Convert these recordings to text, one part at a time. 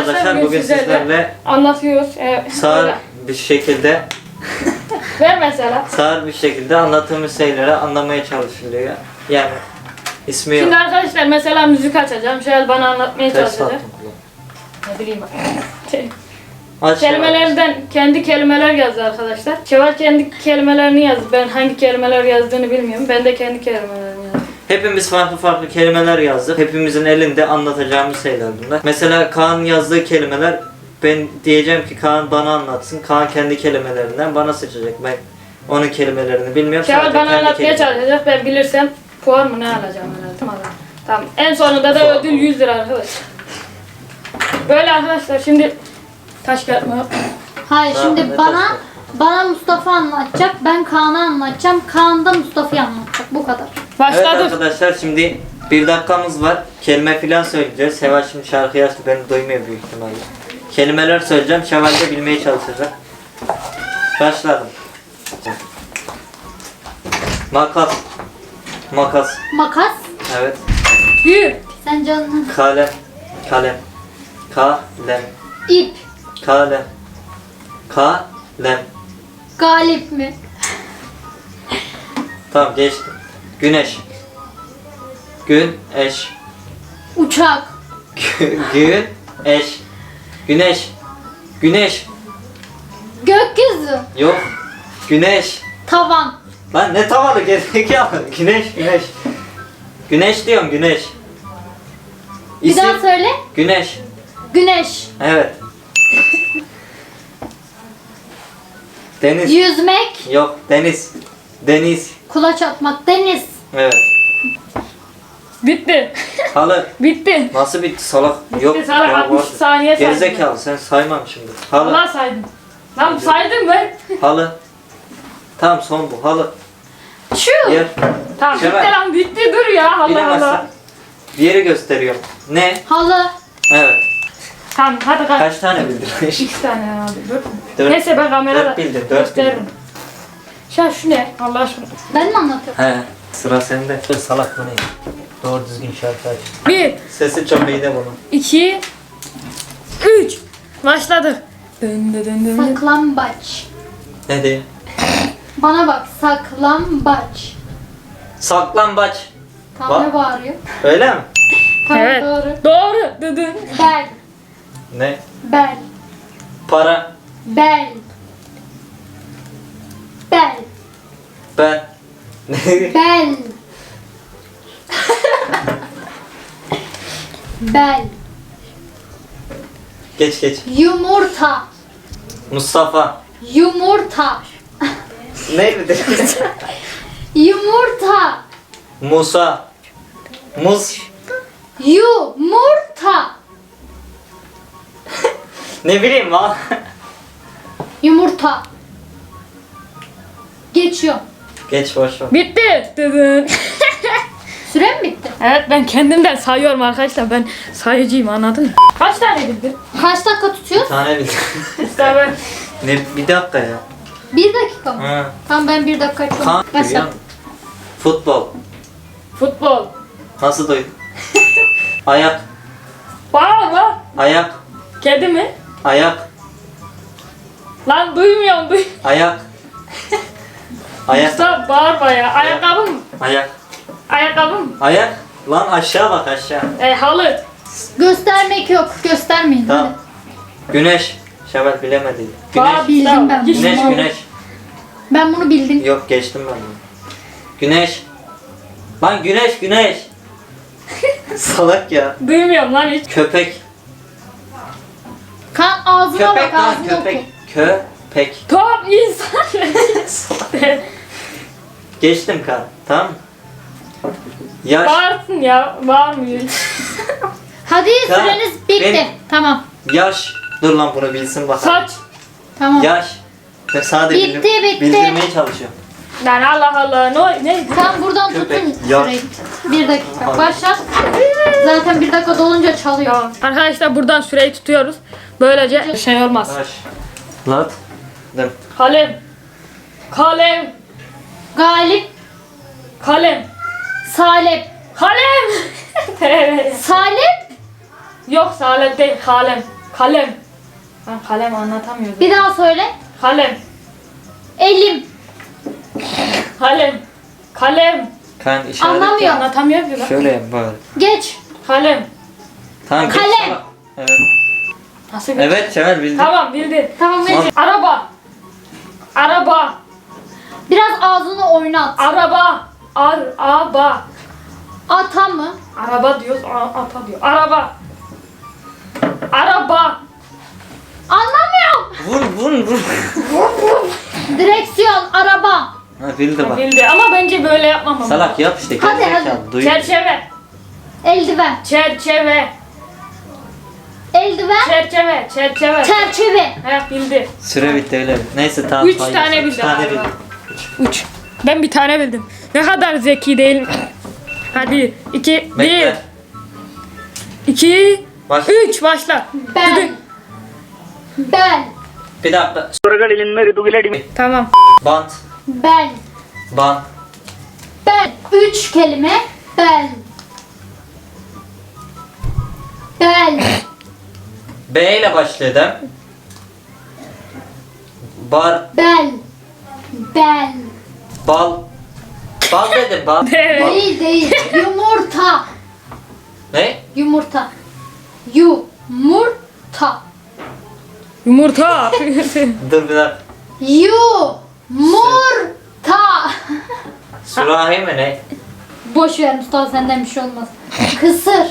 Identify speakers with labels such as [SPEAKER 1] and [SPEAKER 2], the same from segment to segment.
[SPEAKER 1] arkadaşlar bugün sizlerle
[SPEAKER 2] anlatıyoruz.
[SPEAKER 1] sağır bir şekilde
[SPEAKER 2] Ver mesela.
[SPEAKER 1] sağır bir şekilde anlattığımız şeyleri anlamaya çalışılıyor. Yani ismi yok.
[SPEAKER 2] Şimdi arkadaşlar mesela müzik açacağım. Şöyle bana anlatmaya
[SPEAKER 1] Ters
[SPEAKER 2] çalışacak.
[SPEAKER 1] attım kulağım.
[SPEAKER 2] Ne bileyim.
[SPEAKER 1] Aç
[SPEAKER 2] Kelimelerden kendi kelimeler yazdı arkadaşlar. Şevval kendi kelimelerini yazdı. Ben hangi kelimeler yazdığını bilmiyorum. Ben de kendi kelimelerimi yazdım.
[SPEAKER 1] Hepimiz farklı kelimeler yazdık. Hepimizin elinde anlatacağımız şeyler bunlar. Mesela Kaan'ın yazdığı kelimeler, ben diyeceğim ki Kaan bana anlatsın. Kaan kendi kelimelerinden bana seçecek. Ben onun kelimelerini bilmiyorum.
[SPEAKER 2] Şevval
[SPEAKER 1] sadece
[SPEAKER 2] bana
[SPEAKER 1] kendi
[SPEAKER 2] anlatmaya
[SPEAKER 1] kelimelerini.
[SPEAKER 2] çalışacak. Ben bilirsem puan mı ne alacağım herhalde. Tamam. En sonunda da ödül 100 lira arkadaşlar. Böyle arkadaşlar şimdi taş kağıt mı?
[SPEAKER 3] Hayır
[SPEAKER 1] Tamam,
[SPEAKER 3] şimdi
[SPEAKER 1] ne
[SPEAKER 3] bana Mustafa anlatacak. Ben Kaan'a anlatacağım. Kaan da Mustafa'yı anlatacak. Bu kadar.
[SPEAKER 1] Evet
[SPEAKER 2] Başladık.
[SPEAKER 1] arkadaşlar şimdi bir dakikamız var. Kelime filan söyleyeceğiz. Şevval şimdi şarkıyı açtı, beni duymuyor büyük ihtimalle. Kelimeler söyleyeceğim. Şevval de bilmeye çalışacak. Başladım. Makas. Makas.
[SPEAKER 3] Makas.
[SPEAKER 1] Evet.
[SPEAKER 2] Bir.
[SPEAKER 3] Sen canını.
[SPEAKER 1] Kalem. Kalem. Kalem.
[SPEAKER 3] İp.
[SPEAKER 1] Kalem. Kalem.
[SPEAKER 3] Galip mi?
[SPEAKER 1] Tamam geçtim. Güneş. Güneş.
[SPEAKER 3] Uçak.
[SPEAKER 1] Güneş. Güneş. Güneş.
[SPEAKER 3] Gökyüzü.
[SPEAKER 1] Yok. Güneş.
[SPEAKER 3] Tavan.
[SPEAKER 1] Lan ne tavalı gerizekalı. Güneş, güneş. Güneş diyorum, güneş.
[SPEAKER 3] Bir daha söyle.
[SPEAKER 1] Güneş.
[SPEAKER 3] Güneş.
[SPEAKER 1] Evet. Deniz.
[SPEAKER 3] Yüzmek.
[SPEAKER 1] Yok, deniz. Deniz.
[SPEAKER 3] Kulaç atmak. Deniz.
[SPEAKER 1] Evet.
[SPEAKER 2] Bitti.
[SPEAKER 1] Halı.
[SPEAKER 2] Bitti.
[SPEAKER 1] Nasıl bitti salak? Yok.
[SPEAKER 2] salak,
[SPEAKER 1] ya,
[SPEAKER 2] 60
[SPEAKER 1] var.
[SPEAKER 2] saniye saydım.
[SPEAKER 1] Gerizekalı, sen saymam şimdi. Halı.
[SPEAKER 2] Allah saydım. Lan saydım ben.
[SPEAKER 1] Halı. Tamam son bu. Halı.
[SPEAKER 3] Şu.
[SPEAKER 1] Yer.
[SPEAKER 2] Tamam bitti
[SPEAKER 1] Şevval.
[SPEAKER 2] lan bitti dur ya Allah
[SPEAKER 1] Bilemezsen.
[SPEAKER 2] Allah.
[SPEAKER 1] Bir yeri gösteriyorum. Ne?
[SPEAKER 3] Halı.
[SPEAKER 1] Evet.
[SPEAKER 2] Tamam hadi kaç.
[SPEAKER 1] Kaç tane bildin?
[SPEAKER 2] 2 tane herhalde. 4 mü?
[SPEAKER 1] Dört.
[SPEAKER 2] Neyse ben kamerada
[SPEAKER 1] Dört bildin, dört
[SPEAKER 2] gösteririm. Şu ne? Allah aşkına.
[SPEAKER 3] Ben mi anlatıyorum?
[SPEAKER 1] He. Sıra sende. Salak bu ne? Doğru düzgün şarkı aç.
[SPEAKER 2] 1,
[SPEAKER 1] Sesi çok iyi de bunun.
[SPEAKER 2] 2, 3. Başladık. Dın dın dın dın.
[SPEAKER 3] Saklambaç.
[SPEAKER 1] Ne diyeyim?
[SPEAKER 3] Bana bak. Saklambaç.
[SPEAKER 1] Saklambaç.
[SPEAKER 3] Tam ne
[SPEAKER 1] Bak.
[SPEAKER 3] bağırıyor?
[SPEAKER 1] Öyle mi?
[SPEAKER 3] Tamam
[SPEAKER 2] Evet.
[SPEAKER 3] doğru.
[SPEAKER 2] Doğru. Dın dın.
[SPEAKER 3] Bel.
[SPEAKER 1] Ne?
[SPEAKER 3] Bel.
[SPEAKER 1] Para.
[SPEAKER 3] Bel. Bel.
[SPEAKER 1] Ben.
[SPEAKER 3] Bel. Bel.
[SPEAKER 1] Geç.
[SPEAKER 3] Yumurta.
[SPEAKER 1] Mustafa.
[SPEAKER 3] Yumurta.
[SPEAKER 1] Ne bir de?
[SPEAKER 3] Yumurta.
[SPEAKER 1] Musa. Muz.
[SPEAKER 3] Yumurta.
[SPEAKER 1] Ne bileyim lan.
[SPEAKER 3] Yumurta. Geçiyor.
[SPEAKER 1] Geç boş ver.
[SPEAKER 2] Bitti. Dın dın.
[SPEAKER 3] Süre mi bitti?
[SPEAKER 2] Evet ben kendimden sayıyorum arkadaşlar. Ben sayıcıyım anladın mı? Kaç tane bildin?
[SPEAKER 3] Kaç dakika tutuyoruz?
[SPEAKER 1] Tane bildim.
[SPEAKER 2] İşte ben.
[SPEAKER 1] Ne bir dakika ya.
[SPEAKER 3] 1 dakika mı?
[SPEAKER 1] Ha.
[SPEAKER 3] Tamam ben 1 dakika açıyorum.
[SPEAKER 1] Kan.
[SPEAKER 3] Başla.
[SPEAKER 1] Futbol.
[SPEAKER 2] Futbol.
[SPEAKER 1] Nasıl duydun? Ayak.
[SPEAKER 2] Bağırma.
[SPEAKER 1] Ayak.
[SPEAKER 2] Kedi mi?
[SPEAKER 1] Ayak.
[SPEAKER 2] Lan duymuyorum.
[SPEAKER 1] Ayak. Ayak.
[SPEAKER 2] Mustafa bağırma ya. Ayakkabı mı?
[SPEAKER 1] Ayak.
[SPEAKER 2] Ayakkabı mı?
[SPEAKER 1] Ayak. Lan aşağı bak aşağı.
[SPEAKER 2] Halı.
[SPEAKER 3] Göstermek yok. Göstermeyin.
[SPEAKER 1] Tamam. Güneş. Şevval bilemedi.
[SPEAKER 2] Bağır,
[SPEAKER 1] Güneş.
[SPEAKER 3] bildim ben.
[SPEAKER 2] Hiç
[SPEAKER 1] Güneş,
[SPEAKER 2] mal-
[SPEAKER 1] güneş.
[SPEAKER 3] Ben bunu bildim.
[SPEAKER 1] Yok geçtim ben bunu. Güneş. Lan güneş. Salak ya.
[SPEAKER 2] Duymuyorum lan hiç.
[SPEAKER 1] Köpek.
[SPEAKER 3] Kan ağzına
[SPEAKER 1] Köpek
[SPEAKER 3] bak
[SPEAKER 1] lan
[SPEAKER 3] ağzına
[SPEAKER 1] köpek.
[SPEAKER 3] oku.
[SPEAKER 1] Köpek.
[SPEAKER 2] Top insan.
[SPEAKER 1] Geçtim kan. Tamam mı? Yaş.
[SPEAKER 2] Bağırsın ya. Bağırmıyor.
[SPEAKER 3] Hadi
[SPEAKER 1] Kan,
[SPEAKER 3] süreniz bitti.
[SPEAKER 1] benim-
[SPEAKER 3] Tamam.
[SPEAKER 1] Yaş. Dur lan bunu bilsin bakalım.
[SPEAKER 2] Saç.
[SPEAKER 3] Tamam.
[SPEAKER 1] Yaş. Ben sadece
[SPEAKER 3] Bitti, bitti.
[SPEAKER 1] bildirmeye çalışıyorum.
[SPEAKER 2] Lan Allah Allah. Ne?
[SPEAKER 3] Tam buradan
[SPEAKER 1] Köpek,
[SPEAKER 3] tutun
[SPEAKER 1] yaş.
[SPEAKER 3] süreyi. 1 dakika. Başla. Zaten 1 dakika dolunca çalıyor.
[SPEAKER 2] Tamam. Arkadaşlar buradan süreyi tutuyoruz. Böylece şey olmaz.
[SPEAKER 1] Yaş. Lat. Dım.
[SPEAKER 2] Kalem. Kalem.
[SPEAKER 3] Galip.
[SPEAKER 2] Kalem.
[SPEAKER 3] Salep.
[SPEAKER 2] Kalem.
[SPEAKER 3] Salep.
[SPEAKER 2] Yok salep değil kalem. Kalem. Ben kalem anlatamıyordum.
[SPEAKER 3] Bir daha söyle.
[SPEAKER 2] Kalem.
[SPEAKER 3] Elim.
[SPEAKER 2] Kalem. Kalem.
[SPEAKER 1] Kaan işaret
[SPEAKER 3] Anlamıyor.
[SPEAKER 1] yap.
[SPEAKER 2] Anlatamıyor ki lan.
[SPEAKER 1] Şöyle yap bari.
[SPEAKER 3] Geç.
[SPEAKER 2] Kalem.
[SPEAKER 1] Tamam geç
[SPEAKER 3] Kalem.
[SPEAKER 1] salak. Evet.
[SPEAKER 2] Nasıl bir...
[SPEAKER 1] Evet Şevval bildin.
[SPEAKER 2] Tamam bildin.
[SPEAKER 3] Tamam geç.
[SPEAKER 2] Araba. Araba.
[SPEAKER 3] Biraz ağzını oynat.
[SPEAKER 2] Araba. Araba.
[SPEAKER 3] Ata mı?
[SPEAKER 2] Araba diyoruz. Ata diyor. Araba. Araba.
[SPEAKER 3] Anlamıyorum.
[SPEAKER 1] Vur.
[SPEAKER 3] Direksiyon, araba.
[SPEAKER 1] Ha bildi bak.
[SPEAKER 2] Bildi ama bence böyle yapmamam.
[SPEAKER 1] Salak yap işte.
[SPEAKER 3] Hadi,
[SPEAKER 1] gerizekalı,
[SPEAKER 3] hadi.
[SPEAKER 1] duyuyor.
[SPEAKER 2] Çerçeve.
[SPEAKER 3] Eldiven.
[SPEAKER 2] Çerçeve.
[SPEAKER 3] Eldiven.
[SPEAKER 2] Çerçeve. Çerçeve.
[SPEAKER 3] Çerçeve.
[SPEAKER 2] He bildi.
[SPEAKER 1] Süre bitti öyle. Neyse tamam.
[SPEAKER 2] 3
[SPEAKER 1] hayır.
[SPEAKER 2] tane
[SPEAKER 1] Üç
[SPEAKER 2] bildi.
[SPEAKER 1] tane
[SPEAKER 2] galiba.
[SPEAKER 1] bildi.
[SPEAKER 2] 3. Ben bir tane bildim. Ne kadar zeki değil. Hadi 2 1
[SPEAKER 1] Bekle.
[SPEAKER 2] 2
[SPEAKER 1] Baş.
[SPEAKER 2] 3 başla.
[SPEAKER 3] Ben. Ben.
[SPEAKER 1] Bir dakika.
[SPEAKER 2] Tamam.
[SPEAKER 1] Bant.
[SPEAKER 3] Ben.
[SPEAKER 1] Bant.
[SPEAKER 3] Ben. 3 kelime. Ben. Ben.
[SPEAKER 1] B ile başlıyor değil mi? Bar.
[SPEAKER 3] Ben. Ben.
[SPEAKER 1] Bal. Bal dedim bal.
[SPEAKER 2] Evet.
[SPEAKER 1] Bal.
[SPEAKER 3] Değil değil. Yumurta.
[SPEAKER 1] Ne?
[SPEAKER 3] Yumurta. Yumurta.
[SPEAKER 2] Yumurta.
[SPEAKER 1] Dur bir dakika.
[SPEAKER 3] Yumurta.
[SPEAKER 1] Sürahi mi ne?
[SPEAKER 3] Boş ver Mustafa, senden bir şey olmaz. Kısır.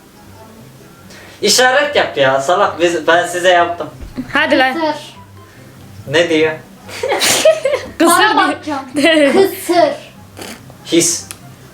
[SPEAKER 1] İşaret yap ya salak. Ben size yaptım.
[SPEAKER 2] Hadi lan.
[SPEAKER 3] Kısır.
[SPEAKER 1] Ne diyor?
[SPEAKER 3] Bana
[SPEAKER 2] Kısır
[SPEAKER 3] bakacağım.
[SPEAKER 2] diye.
[SPEAKER 3] Kısır.
[SPEAKER 1] His.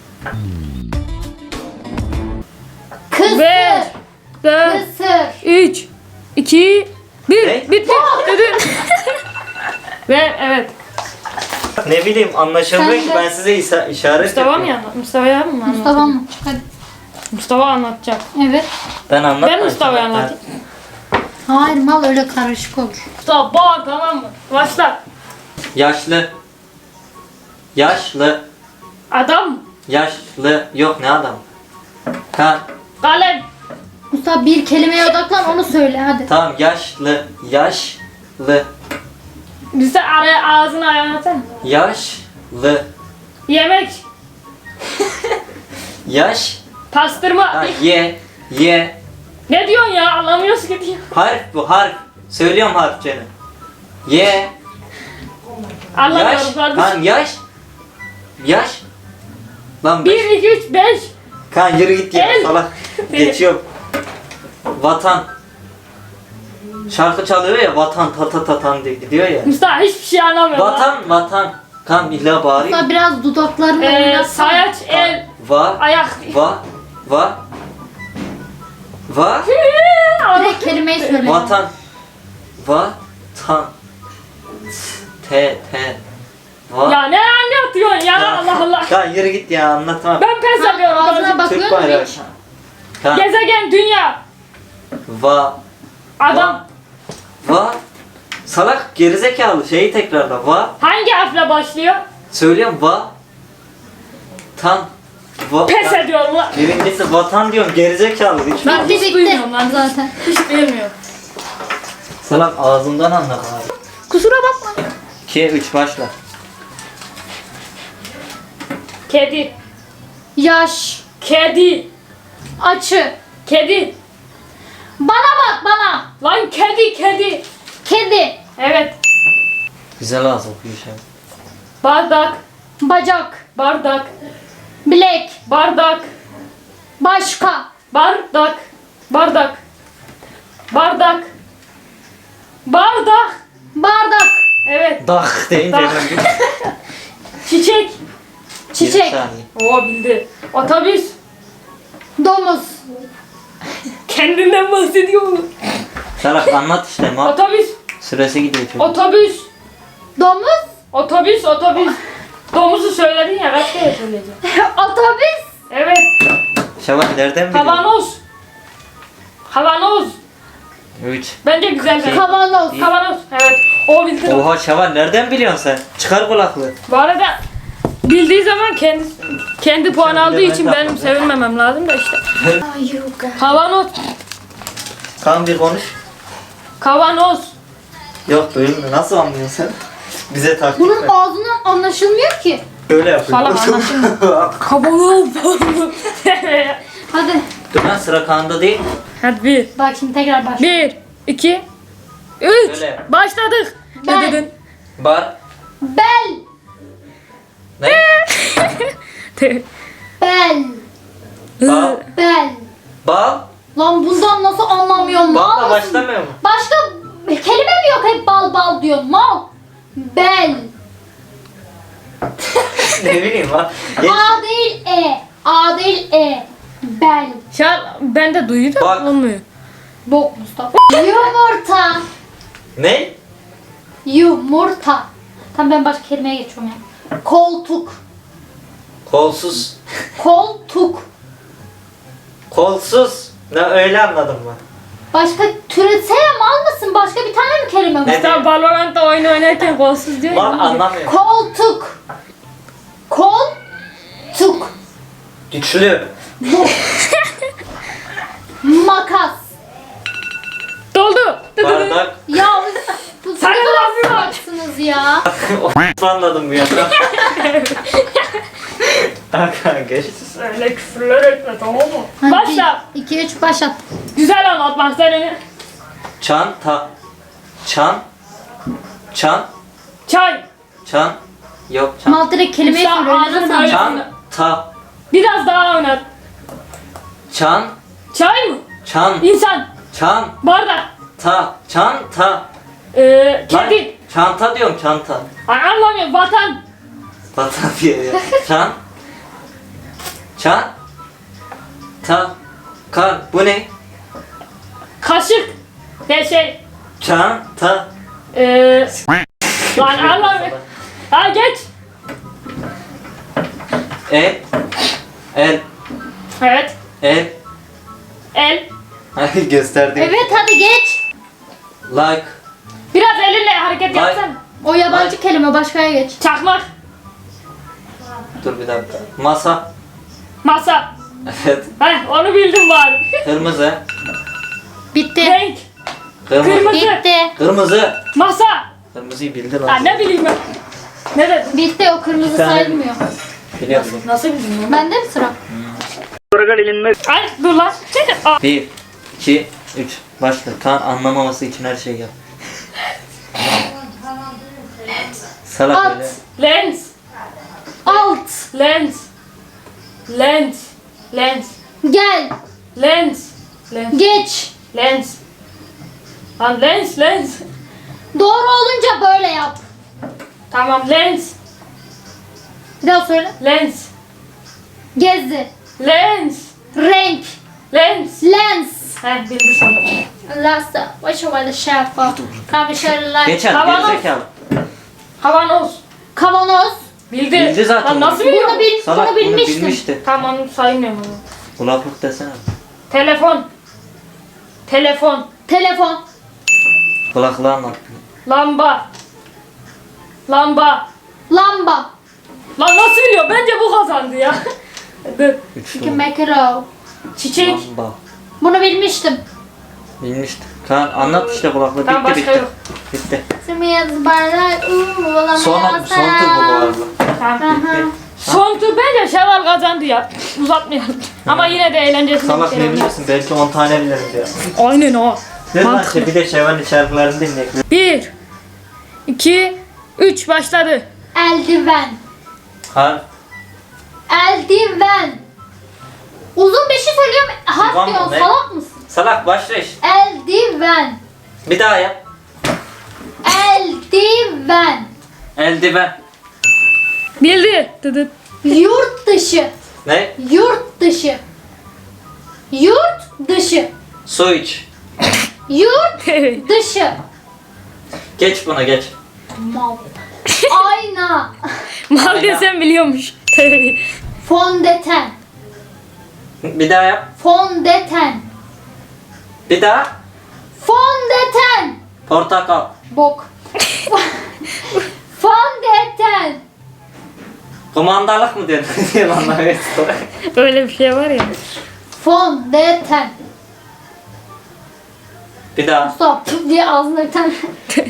[SPEAKER 3] Kısır.
[SPEAKER 2] Ver. 4
[SPEAKER 3] Kısır.
[SPEAKER 2] 3 2 1
[SPEAKER 1] Ne?
[SPEAKER 2] bitti. Dedin. Ve evet.
[SPEAKER 1] Ne bileyim anlaşılmıyor
[SPEAKER 3] Sen
[SPEAKER 1] ki
[SPEAKER 3] de-
[SPEAKER 1] ben size işaret
[SPEAKER 2] Mustafa mı
[SPEAKER 1] yapıyorum.
[SPEAKER 2] anlat? Mustafa'ya mı anlat?
[SPEAKER 3] Mustafa mı? Hadi.
[SPEAKER 2] Mustafa anlatacak.
[SPEAKER 3] Evet.
[SPEAKER 1] Ben anlatmayacağım.
[SPEAKER 2] Ben Mustafa'ya anlatayım.
[SPEAKER 3] Hayır, mal öyle karışık olur.
[SPEAKER 2] Mustafa bağır, tamam mı? Başla.
[SPEAKER 1] Yaşlı. Yaşlı.
[SPEAKER 2] Adam.
[SPEAKER 1] Yaşlı. Yok ne adam? Kan.
[SPEAKER 2] Kalem.
[SPEAKER 3] Mustafa bir kelimeye odaklan, onu söyle hadi.
[SPEAKER 1] Tamam yaşlı. Yaşlı.
[SPEAKER 2] Bize araya ağzını ayağını atsana.
[SPEAKER 1] Yaşlı.
[SPEAKER 2] Yemek.
[SPEAKER 1] Yaş.
[SPEAKER 2] Pastırma.
[SPEAKER 1] Ha, ye.
[SPEAKER 2] Ne diyorsun ya? Anlamıyoruz ki diyor.
[SPEAKER 1] Harf bu harf. Söylüyorum harfçeni. Ye. Yaş.
[SPEAKER 2] Anlamıyorum kardeşim.
[SPEAKER 1] Kan yaş. Yaş. Lan
[SPEAKER 2] 1 2 3 5.
[SPEAKER 1] Kan yürü git ya
[SPEAKER 2] El.
[SPEAKER 1] salak. Geçiyorum. Vatan. Şarkı çalıyor ya vatan tatan diye gidiyor ya.
[SPEAKER 2] Mustafa hiçbir şey anlamıyorum.
[SPEAKER 1] Vatan. Kan illa bağırayım.
[SPEAKER 3] Mustafa biraz dudaklarını oynatsana.
[SPEAKER 2] Sayaç, el,
[SPEAKER 1] Va. Va.
[SPEAKER 3] Direkt kelimeyi söyle.
[SPEAKER 1] Vatan. Vatan. T. Va.
[SPEAKER 2] Ya ne anlatıyorsun ya, Allah Allah.
[SPEAKER 1] Kan yürü git ya anlatma.
[SPEAKER 2] Ben pes ediyorum
[SPEAKER 3] Ağzına
[SPEAKER 2] kardeşim.
[SPEAKER 3] bakıyor
[SPEAKER 1] Türk
[SPEAKER 3] musun
[SPEAKER 1] bayrağı.
[SPEAKER 3] hiç?
[SPEAKER 1] Kan.
[SPEAKER 2] Gezegen, dünya,
[SPEAKER 1] Va.
[SPEAKER 2] adam.
[SPEAKER 1] Va. Salak gerizekalı şeyi tekrarla. Va.
[SPEAKER 2] Hangi harfle başlıyor?
[SPEAKER 1] Söylüyorum va. Tan. Va.
[SPEAKER 2] Pes ediyorum lan.
[SPEAKER 1] Birincisi vatan diyorum gerizekalı. Hiç
[SPEAKER 2] Ben
[SPEAKER 3] Bitti
[SPEAKER 2] hiç
[SPEAKER 3] bitti.
[SPEAKER 2] duymuyorum lan.
[SPEAKER 3] Zaten.
[SPEAKER 2] Hiç bilmiyorum.
[SPEAKER 1] Salak ağzımdan anla abi.
[SPEAKER 2] Kusura bakma.
[SPEAKER 1] 2 3 başla.
[SPEAKER 2] Kedi,
[SPEAKER 3] Yaş.
[SPEAKER 2] kedi,
[SPEAKER 3] Açı.
[SPEAKER 2] kedi.
[SPEAKER 3] Bana bak bana.
[SPEAKER 2] Lan kedi, kedi.
[SPEAKER 3] Kedi.
[SPEAKER 2] Evet.
[SPEAKER 1] Güzel ağız okuyor şey.
[SPEAKER 2] Bardak,
[SPEAKER 3] Bacak.
[SPEAKER 2] bardak,
[SPEAKER 3] Bilek.
[SPEAKER 2] bardak,
[SPEAKER 3] Başka.
[SPEAKER 2] bardak, bardak, bardak, bardak.
[SPEAKER 3] Bardak.
[SPEAKER 2] Evet.
[SPEAKER 1] Dak deyince
[SPEAKER 2] Dak.
[SPEAKER 1] hemen bir
[SPEAKER 2] Çiçek.
[SPEAKER 3] Çiçek.
[SPEAKER 1] saniye.
[SPEAKER 2] Oo bildi. Otobüs.
[SPEAKER 3] Domuz.
[SPEAKER 2] Kendinden bahsediyor mu?
[SPEAKER 1] Salak anlat işte ma.
[SPEAKER 2] Otobüs.
[SPEAKER 1] Süresi gidiyor çocuk.
[SPEAKER 2] Otobüs.
[SPEAKER 3] Domuz.
[SPEAKER 2] Otobüs, otobüs. Domuzu söyledin ya, kaç kere söyleyeceğim.
[SPEAKER 3] Otobüs.
[SPEAKER 2] Evet.
[SPEAKER 1] Şevval nereden biliyorsun?
[SPEAKER 2] Kavanoz. Kavanoz.
[SPEAKER 1] 3.
[SPEAKER 2] Bence güzel bir.
[SPEAKER 3] Kavanoz.
[SPEAKER 2] Kavanoz. Evet. O bildi.
[SPEAKER 1] Oha Şevval nereden biliyorsun sen? Çıkar kulaklığı.
[SPEAKER 2] Bu arada bildiği zaman kendi puan
[SPEAKER 1] Sen
[SPEAKER 2] aldığı
[SPEAKER 1] bile ben
[SPEAKER 2] için
[SPEAKER 1] de
[SPEAKER 2] benim
[SPEAKER 1] yapmadım.
[SPEAKER 2] sevinmemem lazım da işte. Kavanoz.
[SPEAKER 1] Kan bir konuş.
[SPEAKER 2] Kavanoz.
[SPEAKER 1] Yok duyulmuyor. Nasıl anlıyorsun sen? Bize taktik
[SPEAKER 3] Bunun
[SPEAKER 1] ver.
[SPEAKER 3] ağzından anlaşılmıyor ki.
[SPEAKER 1] Böyle yapıyor.
[SPEAKER 2] Salak anlaşılmıyor. Kavanoz.
[SPEAKER 3] Hadi.
[SPEAKER 1] Dur lan sıra Kaan'da değil.
[SPEAKER 2] Hadi bir.
[SPEAKER 3] Bak şimdi tekrar başla.
[SPEAKER 2] 1, 2, 3.
[SPEAKER 1] Öyle.
[SPEAKER 2] Başladık.
[SPEAKER 3] Ben.
[SPEAKER 2] Ne dedin?
[SPEAKER 1] Bar.
[SPEAKER 3] Bel.
[SPEAKER 1] Ne?
[SPEAKER 3] Bel.
[SPEAKER 1] Bal.
[SPEAKER 3] Bel.
[SPEAKER 1] Bal.
[SPEAKER 3] Lan bundan nasıl anlamıyorum?
[SPEAKER 1] Balla
[SPEAKER 3] Mal mısın?
[SPEAKER 1] başlamıyor mu?
[SPEAKER 3] Başka kelime mi yok? Hep bal bal diyor. Mal. Bel.
[SPEAKER 1] Ne bileyim lan. Geç.
[SPEAKER 3] A değil E. A değil E. Bel.
[SPEAKER 2] Şu an ben de duydum.
[SPEAKER 1] Bak.
[SPEAKER 2] Olmuyor.
[SPEAKER 3] Bok Mustafa. Yumurta.
[SPEAKER 1] Ne?
[SPEAKER 3] Yumurta. Tamam ben başka kelimeye geçiyorum ya. Koltuk.
[SPEAKER 1] Kolsuz.
[SPEAKER 3] Koltuk.
[SPEAKER 1] Kolsuz. Ne öyle anladım ben.
[SPEAKER 3] Başka türetsene mal mısın? Başka bir tane mi kelime var?
[SPEAKER 1] Ne?
[SPEAKER 2] Hatta Valorant'ta oyun oynarken kolsuz diyor.
[SPEAKER 1] Lan
[SPEAKER 2] ya.
[SPEAKER 1] anlamıyorum.
[SPEAKER 3] Koltuk. Koltuk.
[SPEAKER 1] Güçlü.
[SPEAKER 3] Makas.
[SPEAKER 2] Doldu.
[SPEAKER 1] Bardak.
[SPEAKER 3] Ya bu
[SPEAKER 2] Sen ne yapıyorsun?
[SPEAKER 3] salaksınız ya.
[SPEAKER 1] Anladım bu ya. Hakan geç.
[SPEAKER 2] Öyle küfürler etme tamam mı? Başla.
[SPEAKER 3] 2 3 başlat.
[SPEAKER 2] Güzel anlatmak senin.
[SPEAKER 1] Çanta. Çan. Çan.
[SPEAKER 2] Çay.
[SPEAKER 1] Çan. Yok çan.
[SPEAKER 3] Mal direkt kelimeyi
[SPEAKER 2] Sen
[SPEAKER 3] soruyor.
[SPEAKER 2] ağzını
[SPEAKER 3] Nasıl
[SPEAKER 2] böyle-
[SPEAKER 3] anlayacağım?
[SPEAKER 1] Çanta.
[SPEAKER 2] Biraz daha oynat.
[SPEAKER 1] Çan.
[SPEAKER 2] Çay mı?
[SPEAKER 1] Çan.
[SPEAKER 2] İnsan.
[SPEAKER 1] Çan.
[SPEAKER 2] Bardak.
[SPEAKER 1] Ta. Çanta. Lan,
[SPEAKER 2] Kedi.
[SPEAKER 1] çanta diyorum çanta.
[SPEAKER 2] Ay anlamıyorum. Vatan.
[SPEAKER 1] Vatan diye ya. Çan. Çan. Ta. Kar. Bu ne?
[SPEAKER 2] Kaşık. Şey.
[SPEAKER 1] Çanta.
[SPEAKER 2] Lan anlamıyorum. Ha geç.
[SPEAKER 1] El. El.
[SPEAKER 2] Evet.
[SPEAKER 1] El.
[SPEAKER 2] El.
[SPEAKER 1] Hayır gösterdim.
[SPEAKER 3] Evet hadi geç.
[SPEAKER 1] Like.
[SPEAKER 2] Biraz elinle hareket
[SPEAKER 1] Vay.
[SPEAKER 2] yapsana.
[SPEAKER 3] O yabancı kelime başkaya geç.
[SPEAKER 2] Çakmak.
[SPEAKER 1] Dur bir dakika. Masa.
[SPEAKER 2] Masa.
[SPEAKER 1] Evet.
[SPEAKER 2] Heh onu bildim bari.
[SPEAKER 1] Kırmızı.
[SPEAKER 3] Bitti.
[SPEAKER 2] Renk.
[SPEAKER 1] Kırmızı.
[SPEAKER 2] Kırmızı.
[SPEAKER 3] Bitti.
[SPEAKER 1] Kırmızı.
[SPEAKER 2] Masa.
[SPEAKER 1] Kırmızıyı bildin
[SPEAKER 2] Ha
[SPEAKER 1] lan.
[SPEAKER 2] ne bileyim ben. Ne dedin?
[SPEAKER 3] Bitti o kırmızı
[SPEAKER 1] Bir tane-
[SPEAKER 3] sayılmıyor.
[SPEAKER 1] Biliyorum.
[SPEAKER 2] Nasıl bildin onu?
[SPEAKER 3] Bende mi sıra?
[SPEAKER 2] Ay dur lan. Aa,
[SPEAKER 1] 1, 2, 3. Başla. Kan anlamaması için her şeyi yap. Salak
[SPEAKER 3] At.
[SPEAKER 1] öyle.
[SPEAKER 2] Lens.
[SPEAKER 3] Alt.
[SPEAKER 2] Lens. Lens. Lens.
[SPEAKER 3] Gel.
[SPEAKER 2] Lens. Lens.
[SPEAKER 3] Geç.
[SPEAKER 2] Lens. Lan lens lens.
[SPEAKER 3] Doğru olunca böyle yap.
[SPEAKER 2] Tamam lens.
[SPEAKER 3] Bir daha söyle.
[SPEAKER 2] Lens.
[SPEAKER 3] Gezi.
[SPEAKER 2] Lens.
[SPEAKER 3] Renk.
[SPEAKER 2] Lens.
[SPEAKER 3] Lens.
[SPEAKER 2] Heh bildi sonra.
[SPEAKER 3] Lasta. Başıma şeffaf. Kamışarlar.
[SPEAKER 1] Geç hadi
[SPEAKER 2] Kavanoz.
[SPEAKER 1] gerizekalı.
[SPEAKER 2] Kavanoz.
[SPEAKER 3] Kavanoz.
[SPEAKER 2] Bildi.
[SPEAKER 1] Bildi zaten.
[SPEAKER 2] Lan nasıl biliyor?
[SPEAKER 1] Salak
[SPEAKER 3] Bunu
[SPEAKER 1] bunu
[SPEAKER 3] bilmiştim.
[SPEAKER 1] bilmişti.
[SPEAKER 2] Tamam onu saymıyorum onu.
[SPEAKER 1] Kulaklık desene.
[SPEAKER 2] Telefon. Telefon.
[SPEAKER 3] Telefon.
[SPEAKER 1] Kulaklığı anlat.
[SPEAKER 2] Lamba. Lamba.
[SPEAKER 3] Lamba.
[SPEAKER 2] Lan nasıl biliyor? Bence bu kazandı ya. Dur.
[SPEAKER 1] Üçlü.
[SPEAKER 3] Çünkü mackerel.
[SPEAKER 2] Çiçek.
[SPEAKER 1] Lamba.
[SPEAKER 3] Bunu bilmiştim.
[SPEAKER 1] Bilmişti. Kan anlat işte kulaklığı.
[SPEAKER 2] Tamam,
[SPEAKER 1] Bitti
[SPEAKER 2] başka
[SPEAKER 1] bitti.
[SPEAKER 2] yok.
[SPEAKER 1] Bitti.
[SPEAKER 3] Simiyaz bardak.
[SPEAKER 1] Son tur bu arada.
[SPEAKER 2] Tamam.
[SPEAKER 3] Aha.
[SPEAKER 2] Son tur bence Şevval kazandı ya. Uzatmayalım. Ama yine de eğlencesine
[SPEAKER 1] Salak
[SPEAKER 2] bir
[SPEAKER 1] ne
[SPEAKER 2] şey oldu.
[SPEAKER 1] bilirsin? Belki 10 tane biliriz ya.
[SPEAKER 2] Aynen o.
[SPEAKER 1] Ne lan
[SPEAKER 2] Mantıklı.
[SPEAKER 1] işte bir de Şevval'in şarkılarını dinleyelim.
[SPEAKER 2] 1 2 3 başladı.
[SPEAKER 3] Eldiven.
[SPEAKER 1] Har.
[SPEAKER 3] Eldiven. Uzun bir şey söylüyorum. Harf
[SPEAKER 1] Divan mı,
[SPEAKER 3] diyorsun.
[SPEAKER 1] ne?
[SPEAKER 3] Salak mısın?
[SPEAKER 1] Salak başla iş.
[SPEAKER 3] Eldiven.
[SPEAKER 1] Bir daha yap.
[SPEAKER 3] Eldiven.
[SPEAKER 1] Eldiven.
[SPEAKER 2] Bildi. Dıdıt.
[SPEAKER 3] Yurt dışı.
[SPEAKER 1] Ne?
[SPEAKER 3] Yurt dışı. Yurt dışı.
[SPEAKER 1] Su iç.
[SPEAKER 3] Yurt dışı.
[SPEAKER 1] Geç buna geç.
[SPEAKER 3] Mal. Ayna.
[SPEAKER 2] Mal desem biliyormuş.
[SPEAKER 3] Fondöten.
[SPEAKER 1] Bir daha yap.
[SPEAKER 3] Fondöten.
[SPEAKER 1] Bir daha.
[SPEAKER 3] Fondöten.
[SPEAKER 1] Portakal.
[SPEAKER 3] Bok. Fondöten.
[SPEAKER 1] Kumandalık mı dedin? diye bana evet.
[SPEAKER 2] Öyle bir şey var ya.
[SPEAKER 3] Fondöten.
[SPEAKER 1] Bir daha.
[SPEAKER 3] Mustafa püf diye ağzına bir tane.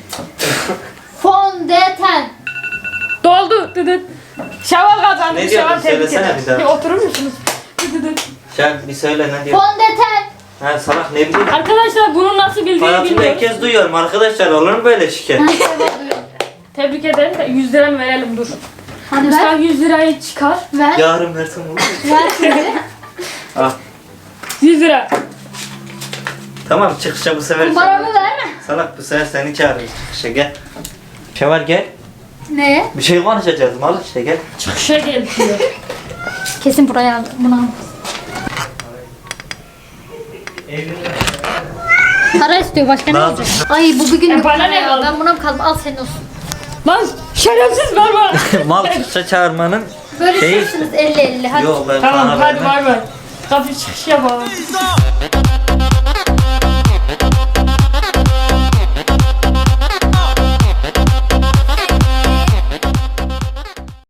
[SPEAKER 3] Fondöten.
[SPEAKER 2] Doldu. Dıdıt. Şevval kazandı.
[SPEAKER 1] Ne diyordun?
[SPEAKER 2] Şevval tebrik
[SPEAKER 1] Söylesene
[SPEAKER 2] ederim.
[SPEAKER 1] bir daha.
[SPEAKER 2] Bir oturur musunuz? Dıdıt.
[SPEAKER 1] Sen bir söyle ne diyor?
[SPEAKER 3] Fondöten.
[SPEAKER 1] Ha salak ne bileyim.
[SPEAKER 2] Arkadaşlar bunu nasıl bildiğini
[SPEAKER 1] Hayatımda ilk
[SPEAKER 2] bilmiyorum.
[SPEAKER 1] kez duyuyorum arkadaşlar, olur mu böyle şikayet?
[SPEAKER 2] Tebrik ederim de 100 liranı verelim dur.
[SPEAKER 3] Hadi
[SPEAKER 2] Mustafa
[SPEAKER 3] ver.
[SPEAKER 2] 100 lirayı çıkar.
[SPEAKER 3] Ver.
[SPEAKER 1] Yarın versem olur mu?
[SPEAKER 3] Ver şimdi.
[SPEAKER 1] Ah.
[SPEAKER 2] 100 lira.
[SPEAKER 1] Tamam çıkışa bu sefer.
[SPEAKER 3] Paramı verme.
[SPEAKER 1] Salak bu sefer seni çağırırız çıkışa gel. Şevval gel.
[SPEAKER 3] Ne?
[SPEAKER 1] Bir şey konuşacağız mal işte gel.
[SPEAKER 2] Çıkışa gel diyor.
[SPEAKER 3] Kesin buraya buna. Para istiyor, başka ne
[SPEAKER 1] Lazım.
[SPEAKER 3] olacak? Ay bu bir günlük
[SPEAKER 2] bana
[SPEAKER 3] para
[SPEAKER 2] ne
[SPEAKER 3] ya.
[SPEAKER 2] kaldı?
[SPEAKER 3] Ben buna mı kaldım? Al senin olsun.
[SPEAKER 2] Lan şerefsiz ver bana.
[SPEAKER 1] Mal çıkışa çağırmanın
[SPEAKER 3] Böyle
[SPEAKER 1] Şey-
[SPEAKER 3] istiyorsunuz 50-50 hadi.
[SPEAKER 1] Yok ben
[SPEAKER 2] Tamam
[SPEAKER 1] sana
[SPEAKER 2] hadi
[SPEAKER 1] vermem.
[SPEAKER 2] bay bay. Kapı çıkış yapalım.